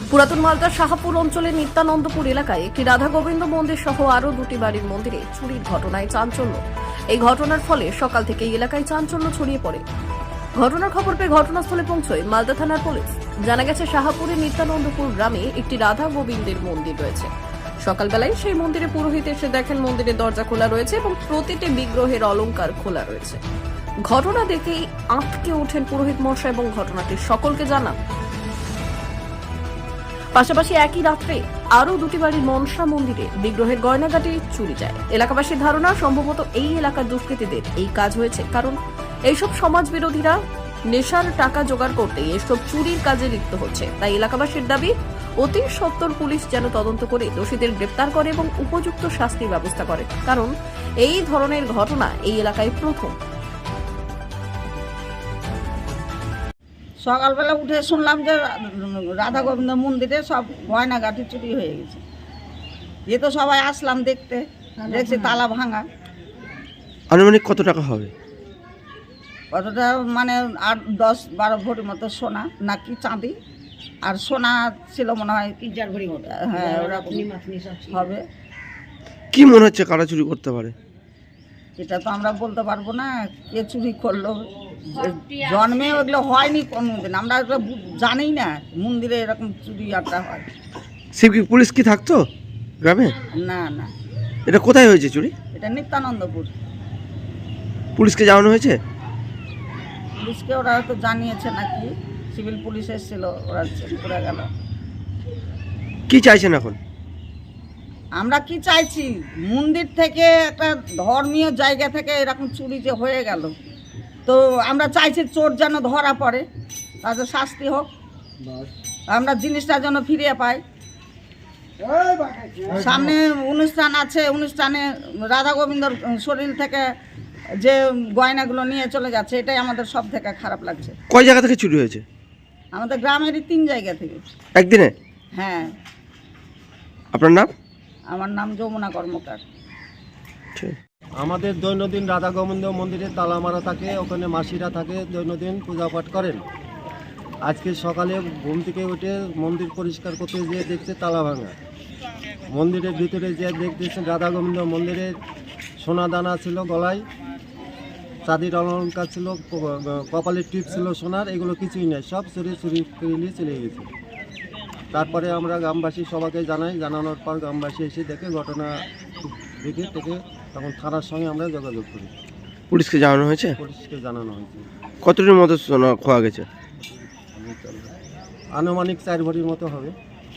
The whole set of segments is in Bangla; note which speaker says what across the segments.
Speaker 1: পুরাতন মালদার শাহপুর অঞ্চলের নিত্যানন্দপুর এলাকায় একটি রাধা গোবিন্দ মন্দির সহ আরও দুটি বাড়ির মন্দিরে চুরির ঘটনায় চাঞ্চল্য। এই ঘটনার ফলে সকাল থেকে এই এলাকায় চাঞ্চল্য ছড়িয়ে পড়ে। ঘটনার খবর পেয়ে ঘটনাস্থলে পৌঁছয় মালদা থানার পুলিশ। জানা গেছে, শাহপুরের নিত্যানন্দপুর গ্রামে একটি রাধা গোবিন্দের মন্দির রয়েছে। সকালবেলায় সেই মন্দিরে পুরোহিত এসে দেখেন মন্দিরের দরজা খোলা রয়েছে এবং প্রতিটি বিগ্রহের অলংকার খোলা রয়েছে। ঘটনা দেখেই আঁতকে ওঠেন পুরোহিত মশাই এবং ঘটনাটি সকলকে জানান। পাশাপাশি একই রাত্রে আরও দুটি বাড়ির মনসা মন্দিরে বিগ্রহের গয়নাগাটি চুরি যায়। এলাকাবাসীর ধারণা, সম্ভবত এই এলাকার দুষ্কৃতীদের এই কাজ হয়েছে, কারণ এইসব সমাজ বিরোধীরা নেশার টাকা জোগাড় করতে এসব চুরির কাজে লিপ্ত হচ্ছে। তাই এলাকাবাসীর দাবি, অতি সত্বর পুলিশ যেন তদন্ত করে দোষীদের গ্রেপ্তার করে এবং উপযুক্ত শাস্তির ব্যবস্থা করে, কারণ এই ধরনের ঘটনা এই এলাকায় প্রথম।
Speaker 2: সকালবেলা উঠে শুনলাম যে রাধা গোবিন্দ মন্দিরে সব গয়নাগাটি চুরি হয়ে গেছে। এ তো সবাই আসলাম দেখতে, দেখছি তালা ভাঙা।
Speaker 3: আনুমানিক কত টাকা হবে?
Speaker 2: কতটা মানে 8-10-12 ভরি মতো সোনা নাকি চাঁদি, আর সোনা ছিল মনে হয় 3-4 ভরি মতো। হ্যাঁ, ওরকম হবে।
Speaker 3: কি মনে হচ্ছে কারা চুরি করতে পারে?
Speaker 2: এটা তো আমরা বলতে পারবো না কে চুরি করলো। জন্মে ওগুলো হয়নি কোনোদিন, আমরা জানি না মন্দিরে এরকম চুরি আড্ডা হয়।
Speaker 3: পুলিশ কি থাকতো গ্রামে?
Speaker 2: না না,
Speaker 3: এটা কোথায় হয়েছে চুরি?
Speaker 2: এটা নিত্যানন্দপুর।
Speaker 3: পুলিশকে জানানো হয়েছে?
Speaker 2: পুলিশকে ওরা হয়তো জানিয়েছে নাকি, সিভিল পুলিশ এসেছিল, ওরা চেক করে গেল।
Speaker 3: কি চাইছেন এখন?
Speaker 2: আমরা কি চাইছি, মন্দির থেকে একটা ধর্মীয় জায়গা থেকে এরকম চুরি যে হয়ে গেল, তো আমরা চাইছি চোর যেন ধরা পড়ে, তাদের শাস্তি হোক, আমরা জিনিসটা যেন ফিরিয়ে পাই। সামনে অনুষ্ঠান আছে, অনুষ্ঠানে রাধা গোবিন্দর শরীর থেকে যে গয়নাগুলো নিয়ে চলে যাচ্ছে, এটাই আমাদের সব থেকে খারাপ লাগছে।
Speaker 3: কয় জায়গা থেকে চুরি হয়েছে?
Speaker 2: আমাদের গ্রামেরই 3 জায়গা থেকে।
Speaker 3: একদিনে?
Speaker 2: হ্যাঁ।
Speaker 3: আপনার নাম?
Speaker 2: আমার নাম যমুনা কর্মকার।
Speaker 4: আমাদের দৈনন্দিন রাধা গোবিন্দ মন্দিরে তালা মারা থাকে, ওখানে মাসিরা থাকে, দৈনন্দিন পূজা পাঠ করেন। আজকে সকালে ঘুম থেকে উঠে মন্দির পরিষ্কার করতে গিয়ে দেখছে তালা ভাঙা। মন্দিরের ভিতরে যে দেখতেছেন রাধা গোবিন্দ মন্দিরে সোনা দানা ছিল গলায়, চাঁদির অলঙ্কার ছিল, কপালের টিপ ছিল সোনার, এগুলো কিছুই নেই, সব চুরি করে নিয়ে চলে গেছে। তারপরে আমরা গ্রামবাসী সবাইকে জানাই, জানানোর পর গ্রামবাসী এসে দেখে ঘটনা দেখে তখন থানার সঙ্গে আমরা যোগাযোগ করি।
Speaker 3: পুলিশকে জানানো হয়েছে?
Speaker 4: পুলিশকে জানানো হয়েছে।
Speaker 3: কতটির মতো সোনা খোয়া গেছে?
Speaker 4: আনুমানিক 4 ভরির মতো হবে।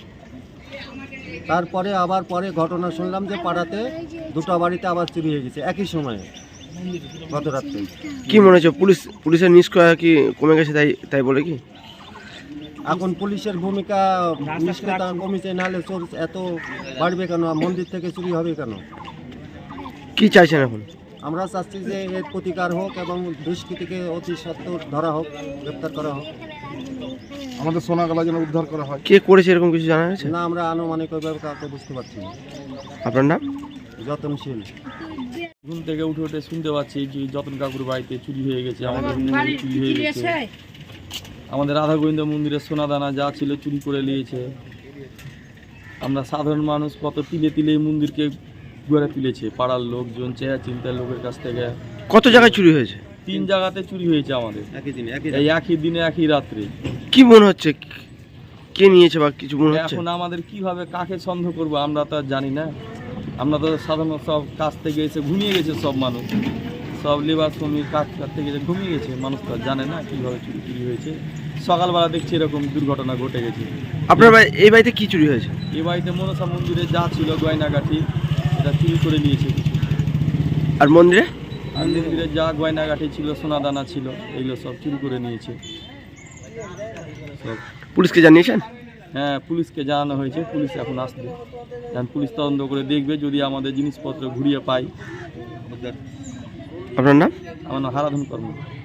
Speaker 4: তারপরে আবার পরে ঘটনা শুনলাম যে পাড়াতে 2টা বাড়িতে আবার চুরি হয়ে গেছে একই সময়ে, গত রাত্রে।
Speaker 3: কি মনে হচ্ছে, পুলিশের নিষ্ক্রিয়তা কি কমে গেছে তাই বলে কি?
Speaker 4: এখন পুলিশের ভূমিকা নিষ্ক্রিয়তা কমেছে, নাহলে চোর এত বাড়বে কেন, মন্দির থেকে চুরি হবে কেন?
Speaker 3: কি চাইছেন এখন?
Speaker 4: আমরা চাচ্ছি যে এর প্রতিকার হোক এবং দুষ্কৃতীকে অতি সত্বর ধরা হোক, গ্রেপ্তার করা হোক,
Speaker 5: আমাদের সোনাগালা যেন উদ্ধার করা হয়।
Speaker 3: কে করেছে এরকম কিছু জানা গেছে?
Speaker 4: না, আমরা আনুমানিক ওইভাবে কাউকে বুঝতে পারছি না।
Speaker 3: আপনার নাম?
Speaker 4: যতনশীল।
Speaker 6: ঘুম থেকে উঠে শুনতে পাচ্ছি যে যতন কাকুর বাড়িতে চুরি হয়ে গেছে, আমাদের মন্দিরে চুরি হয়ে গেছে, আমাদের রাধা গোবিন্দ মন্দিরের সোনাদানা যা ছিল চুরি করে নিয়েছে। আমরা সাধারণ মানুষ কত তিলে তিলে মন্দিরকে ঘুরে তুলেছে, পাড়ার লোকজন, চেয়া চিন্তার লোকের কাছ থেকে।
Speaker 3: কত জায়গায় চুরি হয়েছে?
Speaker 6: 3 জায়গাতে চুরি হয়েছে আমাদের এই একই দিনে একই রাত্রে।
Speaker 3: কি মনে হচ্ছে, কে নিয়েছে বা কিছু মনে হচ্ছে?
Speaker 6: এখন আমাদের কিভাবে কাকে সন্দেহ করবো আমরা তো আর জানি না। আমরা তো সাধারণ সব কাজ থেকে এসে ঘুমিয়ে গেছে, সব মানুষ, সব লেবার শ্রমিক কাজ থেকে ঘুমিয়ে গেছে, মানুষ তো জানে না কিভাবে চুরি হয়েছে। সকালবেলা দেখছি এরকম দুর্ঘটনা ঘটে গেছে।
Speaker 3: আপনার এই বাড়িতে কি চুরি হয়েছে?
Speaker 6: এই বাড়িতে মনসা মন্দিরে যা ছিল গয়নাগাঠি, এটা চুরি করে নিয়েছে।
Speaker 3: আর মন্দিরে?
Speaker 6: আর মন্দিরে যা গয়নাগাঠি ছিল, সোনাদানা ছিল, এইগুলো সব চুরি করে নিয়েছে সব।
Speaker 3: পুলিশকে জানিয়েছেন?
Speaker 6: হ্যাঁ, পুলিশকে জানানো হয়েছে, পুলিশ এখন আসবে, পুলিশ তদন্ত করে দেখবে, যদি আমাদের জিনিসপত্র ঘুরিয়ে পাই।
Speaker 3: আপনার নাম?
Speaker 6: আমার নাম হারাধন কর্মকার।